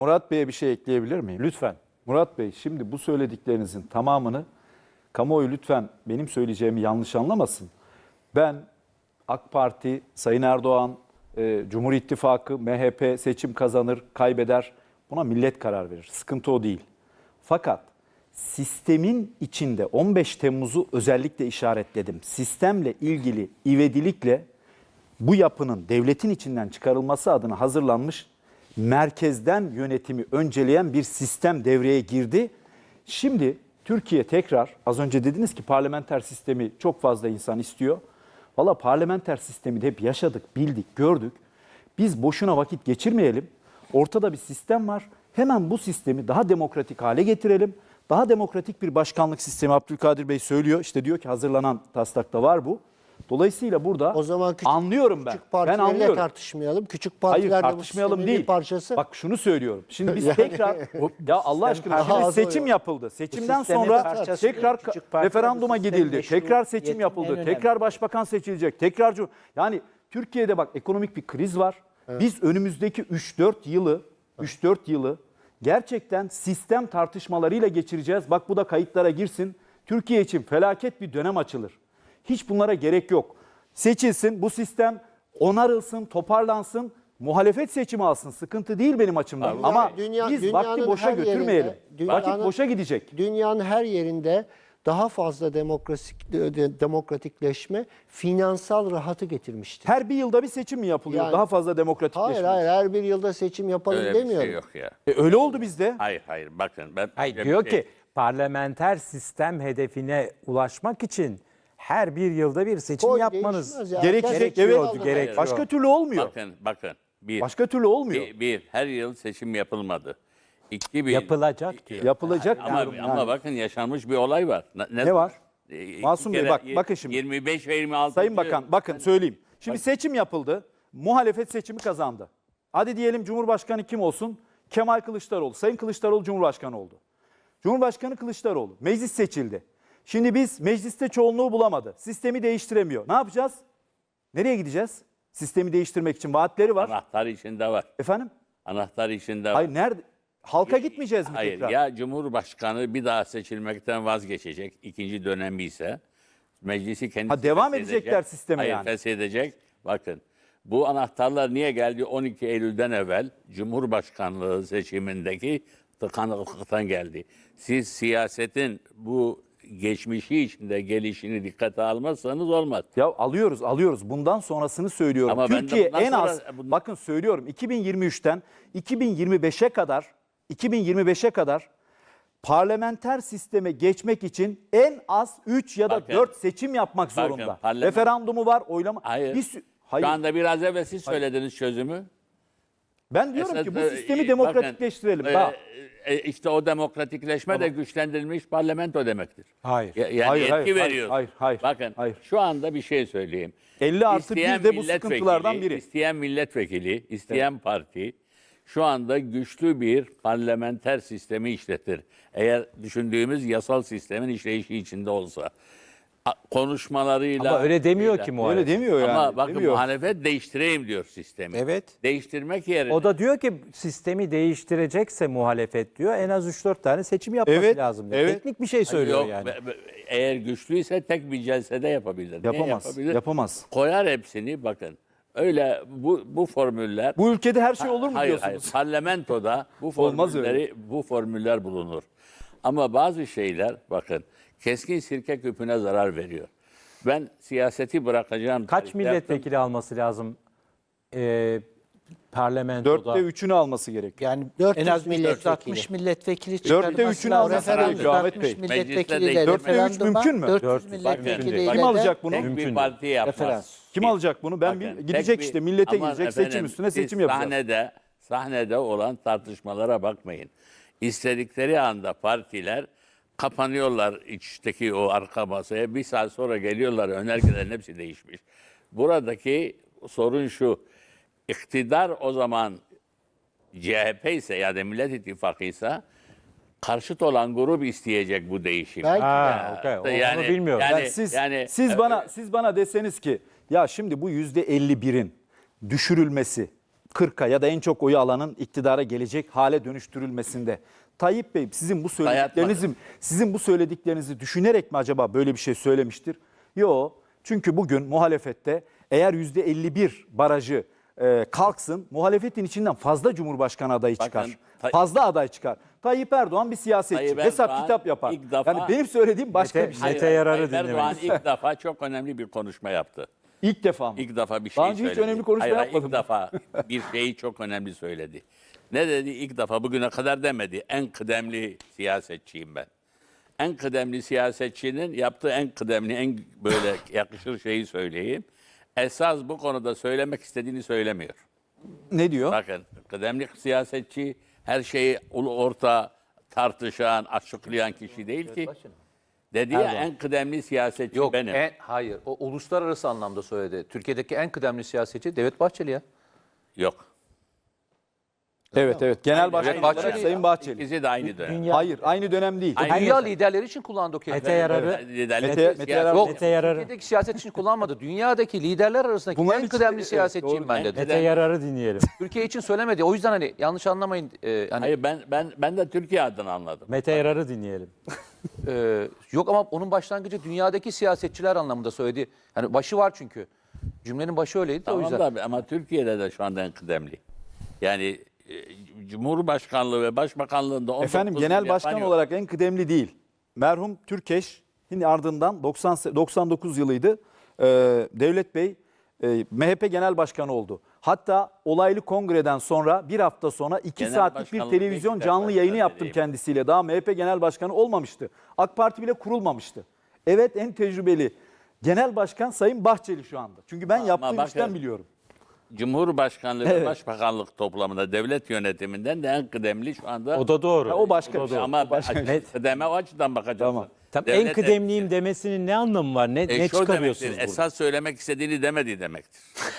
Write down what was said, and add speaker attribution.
Speaker 1: Murat Bey'e bir şey ekleyebilir miyim?
Speaker 2: Lütfen.
Speaker 1: Murat Bey, şimdi bu söylediklerinizin tamamını kamuoyu lütfen benim söyleyeceğimi yanlış anlamasın. Ben AK Parti, Sayın Erdoğan, Cumhur İttifakı, MHP seçim kazanır, kaybeder. Buna millet karar verir. Sıkıntı o değil. Fakat sistemin içinde 15 Temmuz'u özellikle işaretledim. Sistemle ilgili ivedilikle bu yapının devletin içinden çıkarılması adına hazırlanmış merkezden yönetimi önceleyen bir sistem devreye girdi. Şimdi Türkiye tekrar, az önce dediniz ki parlamenter sistemi çok fazla insan istiyor. Valla parlamenter sistemi de hep yaşadık, bildik, gördük. Biz boşuna vakit geçirmeyelim. Ortada bir sistem var. Hemen bu sistemi daha demokratik hale getirelim. Daha demokratik bir başkanlık sistemi, Abdülkadir Bey söylüyor. İşte diyor ki hazırlanan taslakta var bu. Dolayısıyla burada
Speaker 3: o zaman
Speaker 1: anlıyorum ben.
Speaker 3: Küçük partilerle
Speaker 1: anlıyorum.
Speaker 3: Tartışmayalım. Küçük partiler
Speaker 1: Hayır, tartışmayalım değil.
Speaker 3: Bir parçası.
Speaker 1: Bak şunu söylüyorum. Şimdi biz
Speaker 3: Yani-
Speaker 1: tekrar ya Allah aşkına şimdi seçim yapıldı. Seçimden
Speaker 2: sistemin
Speaker 1: sonra
Speaker 2: parçası
Speaker 1: tekrar
Speaker 2: küçük partiler,
Speaker 1: referanduma
Speaker 2: bu sistemin
Speaker 1: gidildi.
Speaker 2: meşru
Speaker 1: Tekrar seçim
Speaker 2: yetinin en
Speaker 1: yapıldı.
Speaker 2: önemli.
Speaker 1: Tekrar başbakan seçilecek. Tekrar yani Türkiye'de bak ekonomik bir kriz var. Biz önümüzdeki 3-4 yılı gerçekten sistem tartışmalarıyla geçireceğiz. Bak bu da kayıtlara girsin. Türkiye için felaket bir dönem açılır. Hiç bunlara gerek yok. Seçilsin, bu sistem onarılsın, toparlansın, muhalefet seçimi alsın. Sıkıntı değil benim açımdan. Ama biz vakti boşa götürmeyelim. Vakit boşa gidecek.
Speaker 3: Dünyanın her yerinde daha fazla demokratikleşme finansal rahatı getirmiştir.
Speaker 1: Her bir yılda bir seçim mi yapılıyor?
Speaker 3: Yani-
Speaker 1: Daha fazla demokratikleşme.
Speaker 3: Hayır her bir yılda seçim yapalım
Speaker 4: Öyle
Speaker 3: demiyorum.
Speaker 4: bir şey yok ya.
Speaker 1: Öyle oldu bizde.
Speaker 4: Hayır bakın.
Speaker 2: Hayır,
Speaker 4: bir
Speaker 2: diyor
Speaker 4: şey-
Speaker 2: ki parlamenter sistem hedefine ulaşmak için her bir yılda bir seçim
Speaker 3: Koy,
Speaker 2: yapmanız
Speaker 3: değişmez ya.
Speaker 1: Gerekecek,
Speaker 2: gerekiyordu,
Speaker 1: evet.
Speaker 2: gerekiyor.
Speaker 1: Başka türlü olmuyor.
Speaker 4: Bakın.
Speaker 1: Başka türlü olmuyor.
Speaker 4: Her yıl seçim yapılmadı.
Speaker 2: yapılacak diyor.
Speaker 1: Yapılacak
Speaker 4: Ama,
Speaker 1: diyorum yani.
Speaker 4: ama bakın yaşanmış bir olay var.
Speaker 1: Ne var?
Speaker 4: İki
Speaker 1: Masum Bey,
Speaker 4: kere
Speaker 1: bakın şimdi.
Speaker 4: 25 ve 26.
Speaker 1: Sayın Bakan bakın söyleyeyim. Şimdi seçim yapıldı. Muhalefet seçimi kazandı. Hadi diyelim Cumhurbaşkanı kim olsun? Kemal Kılıçdaroğlu. Sayın Kılıçdaroğlu Cumhurbaşkanı oldu. Cumhurbaşkanı Kılıçdaroğlu. Meclis seçildi. Şimdi biz mecliste çoğunluğu bulamadı. Sistemi değiştiremiyor. Ne yapacağız? Nereye gideceğiz? Sistemi değiştirmek için vaatleri var.
Speaker 4: Anahtar içinde var.
Speaker 1: Efendim?
Speaker 4: Anahtar içinde var.
Speaker 1: Hayır nerede? Halka gitmeyeceğiz mi
Speaker 4: Hayır
Speaker 1: tekrar?
Speaker 4: ya Cumhurbaşkanı bir daha seçilmekten vazgeçecek. İkinci dönemi ise meclisi kendisi
Speaker 1: Ha, devam
Speaker 4: feshedecek.
Speaker 1: edecekler sisteme
Speaker 4: Hayır,
Speaker 1: yani.
Speaker 4: feshedecek. Bakın bu anahtarlar niye geldi? 12 Eylül'den evvel Cumhurbaşkanlığı seçimindeki tıkanıklıktan geldi. Siz siyasetin bu geçmişi içinde gelişini dikkate almazsanız olmaz.
Speaker 1: Ya alıyoruz. Bundan sonrasını söylüyorum.
Speaker 4: Ama ben de
Speaker 1: Türkiye
Speaker 4: bundan
Speaker 1: en az,
Speaker 4: sonra-
Speaker 1: bakın söylüyorum 2023'ten 2025'e kadar parlamenter sisteme geçmek için en az 3 ya da
Speaker 4: Bakın,
Speaker 1: 4 seçim yapmak zorunda. Referandumu var, oylama.
Speaker 4: Hayır.
Speaker 1: Hayır.
Speaker 4: Şu anda biraz evvel siz söylediniz çözümü.
Speaker 1: Ben diyorum ki bu
Speaker 4: Esas,
Speaker 1: sistemi
Speaker 4: bakın,
Speaker 1: demokratikleştirelim. Daha.
Speaker 4: İşte o demokratikleşme de güçlendirilmiş parlamento demektir.
Speaker 2: Hayır.
Speaker 4: Yani
Speaker 1: Hayır,
Speaker 4: yetki
Speaker 1: hayır,
Speaker 4: veriyor.
Speaker 1: hayır,
Speaker 4: Bakın
Speaker 1: hayır.
Speaker 4: şu anda bir şey söyleyeyim.
Speaker 1: 50+1 de bu
Speaker 4: milletvekili,
Speaker 1: sıkıntılardan biri.
Speaker 4: İsteyen milletvekili, isteyen parti şu anda güçlü bir parlamenter sistemi işletir. Eğer düşündüğümüz yasal sistemin işleyişi içinde olsa. Konuşmalarıyla...
Speaker 2: Ama öyle demiyor ki muhalefet.
Speaker 1: Öyle demiyor yani.
Speaker 4: Ama bakın
Speaker 1: demiyor.
Speaker 4: muhalefet değiştireyim diyor sistemi.
Speaker 2: Evet.
Speaker 4: Değiştirmek yerine...
Speaker 2: O da diyor ki sistemi değiştirecekse muhalefet diyor en az 3-4 tane seçim yapması
Speaker 1: Evet,
Speaker 2: lazım diyor.
Speaker 1: evet.
Speaker 2: Teknik bir şey söylüyor
Speaker 4: Yok,
Speaker 2: yani.
Speaker 4: eğer güçlüyse tek bir celsede yapabilir. Niye yapabilir?
Speaker 1: Yapamaz.
Speaker 4: Koyar hepsini bakın. Öyle bu formüller...
Speaker 1: Bu ülkede her şey olur mu
Speaker 4: Hayır,
Speaker 1: diyorsunuz?
Speaker 4: Parlamentoda
Speaker 1: Olmaz öyle.
Speaker 4: bu formüller bulunur. Ama bazı şeyler bakın keskin sirke küpüne zarar veriyor. Ben siyaseti bırakacağım.
Speaker 2: Kaç
Speaker 4: tarihte
Speaker 2: milletvekili alması lazım parlamentoda?
Speaker 1: 4'te 3'ünü alması gerekiyor.
Speaker 5: Yani
Speaker 3: 400
Speaker 5: en az
Speaker 3: milletvekili.
Speaker 5: 460 milletvekili
Speaker 1: 4'te
Speaker 5: çıkarılması
Speaker 1: 3'ünü
Speaker 5: lazım.
Speaker 1: alması
Speaker 3: Referandum.
Speaker 1: gerekiyor Ahmet Bey.
Speaker 5: 460 milletvekili
Speaker 4: Mecliste
Speaker 5: de
Speaker 1: 4'te 3 mümkün mü?
Speaker 5: 400
Speaker 4: Bakın,
Speaker 5: milletvekiliyle
Speaker 1: Kim
Speaker 5: de
Speaker 1: alacak bunu?
Speaker 4: Tek
Speaker 2: Mümkün
Speaker 4: bir
Speaker 2: değil.
Speaker 4: parti yapmaz.
Speaker 5: Referans.
Speaker 1: Kim alacak bunu? Ben
Speaker 4: Bakın,
Speaker 1: gidecek
Speaker 4: tek
Speaker 1: işte
Speaker 4: bir-
Speaker 1: millete
Speaker 4: Aman
Speaker 1: gidecek
Speaker 4: efendim,
Speaker 1: seçim üstüne
Speaker 4: siz
Speaker 1: seçim yapacağız.
Speaker 4: Sahnede olan tartışmalara bakmayın. İstedikleri anda partiler kapanıyorlar içteki o arka masaya. Bir saat sonra geliyorlar, önergelerin hepsi değişmiş. Buradaki sorun şu. İktidar o zaman CHP ise ya da Millet İttifakı ise karşıt olan grup isteyecek bu değişimi.
Speaker 3: Belki
Speaker 2: Ha, okey. Onu bilmiyorum.
Speaker 1: Yani siz bana deseniz ki ya şimdi bu %51'in düşürülmesi 40'a ya da en çok oyu alanın iktidara gelecek hale dönüştürülmesinde. Tayyip Bey sizin bu söylediklerinizi düşünerek mi acaba böyle bir şey söylemiştir? Yok. Çünkü bugün muhalefette eğer %51 barajı kalksın, muhalefetin içinden fazla Cumhurbaşkanı adayı çıkar.
Speaker 4: Bakın,
Speaker 1: Fazla aday çıkar. Tayyip Erdoğan bir siyasetçi.
Speaker 4: Tayyip
Speaker 1: Hesap
Speaker 4: Erdoğan
Speaker 1: kitap yapar.
Speaker 4: ilk defa-
Speaker 1: Yani benim söylediğim başka bir şey.
Speaker 2: Mete Yarar'ı
Speaker 4: Tayyip Erdoğan
Speaker 2: dinlemeyiz.
Speaker 4: ilk defa çok önemli bir konuşma yaptı.
Speaker 1: İlk defa mı?
Speaker 4: İlk defa bir şey
Speaker 1: Daha önce
Speaker 4: söyledi.
Speaker 1: hiç önemli konuşma
Speaker 4: Hayır,
Speaker 1: yapmadım.
Speaker 4: İlk defa bir şeyi çok önemli söyledi. Ne dedi? İlk defa bugüne kadar demedi. En kıdemli siyasetçiyim ben. En kıdemli siyasetçinin yaptığı en kıdemli, en böyle yakışır şeyi söyleyeyim. Esas bu konuda söylemek istediğini söylemiyor.
Speaker 1: Ne diyor?
Speaker 4: Bakın, kıdemli siyasetçi her şeyi ulu orta tartışan, açıklayan kişi değil ki. Dedi ya en kıdemli siyasetçi
Speaker 6: Yok,
Speaker 4: benim.
Speaker 6: hayır. O uluslararası anlamda söyledi. Türkiye'deki en kıdemli siyasetçi Devlet Bahçeli ya.
Speaker 4: Yok.
Speaker 1: Evet. Genel Başkan
Speaker 4: Aynı
Speaker 1: olarak
Speaker 4: dönem.
Speaker 1: Sayın Bahçeli.
Speaker 4: İkisi de aynı dönem.
Speaker 1: Hayır, aynı dönem değil.
Speaker 4: Aynı
Speaker 6: Dünya
Speaker 4: dönem.
Speaker 6: liderleri için kullandı o kelimeyi.
Speaker 2: Mete Yarar'ı
Speaker 1: Mete Yarar-
Speaker 6: Yok,
Speaker 2: Mete Yarar'ı.
Speaker 6: Türkiye'deki siyaset için kullanmadı. Dünyadaki liderler arasındaki
Speaker 1: Bunların
Speaker 6: en
Speaker 1: içinde-
Speaker 6: kıdemli
Speaker 1: evet,
Speaker 6: siyasetçiyim
Speaker 1: doğru.
Speaker 6: ben dedi.
Speaker 2: Mete Yarar'ı dinleyelim.
Speaker 6: Türkiye için söylemedi. O yüzden hani yanlış anlamayın. Hani
Speaker 4: Hayır ben de Türkiye adına anladım.
Speaker 2: Mete Yarar'ı dinleyelim.
Speaker 6: yok ama onun başlangıcı dünyadaki siyasetçiler anlamında söyledi. Hani başı var çünkü. Cümlenin başı öyleydi de o
Speaker 4: Tamam
Speaker 6: yüzden.
Speaker 4: da ama Türkiye'de de şu anda en kıdemli. Yani Cumhurbaşkanlığı ve Başbakanlığında 19
Speaker 1: Efendim
Speaker 4: yıl
Speaker 1: genel
Speaker 4: yapan
Speaker 1: başkan
Speaker 4: yok.
Speaker 1: olarak en kıdemli değil. Merhum Türkeş'in ardından 99 yılıydı. Devlet Bey MHP Genel Başkanı oldu. Hatta olaylı kongreden sonra bir hafta sonra 2
Speaker 4: Genel
Speaker 1: saatlik bir
Speaker 4: başkanlık
Speaker 1: televizyon
Speaker 4: Beşiktaş
Speaker 1: canlı yayını
Speaker 4: başkanı
Speaker 1: yaptım
Speaker 4: dediğim.
Speaker 1: kendisiyle. Daha MHP Genel Başkanı olmamıştı. AK Parti bile kurulmamıştı. Evet en tecrübeli Genel Başkan Sayın Bahçeli şu anda. Çünkü ben yaptığım
Speaker 4: bakın,
Speaker 1: işten biliyorum.
Speaker 4: Cumhurbaşkanlığı
Speaker 1: Evet.
Speaker 4: ve Başbakanlık toplamında devlet yönetiminden de en kıdemli şu anda.
Speaker 2: O da doğru.
Speaker 1: O başka bir şey.
Speaker 4: Ama
Speaker 2: Net.
Speaker 4: kıdeme o açıdan bakacaksın.
Speaker 1: Tamam.
Speaker 2: Tam
Speaker 4: Devlet
Speaker 2: en kıdemliyim demesinin ne anlamı var? Ne
Speaker 4: şu
Speaker 2: çıkarıyorsunuz
Speaker 4: demektir,
Speaker 2: burada?
Speaker 4: esas söylemek istediğini demedi demektir.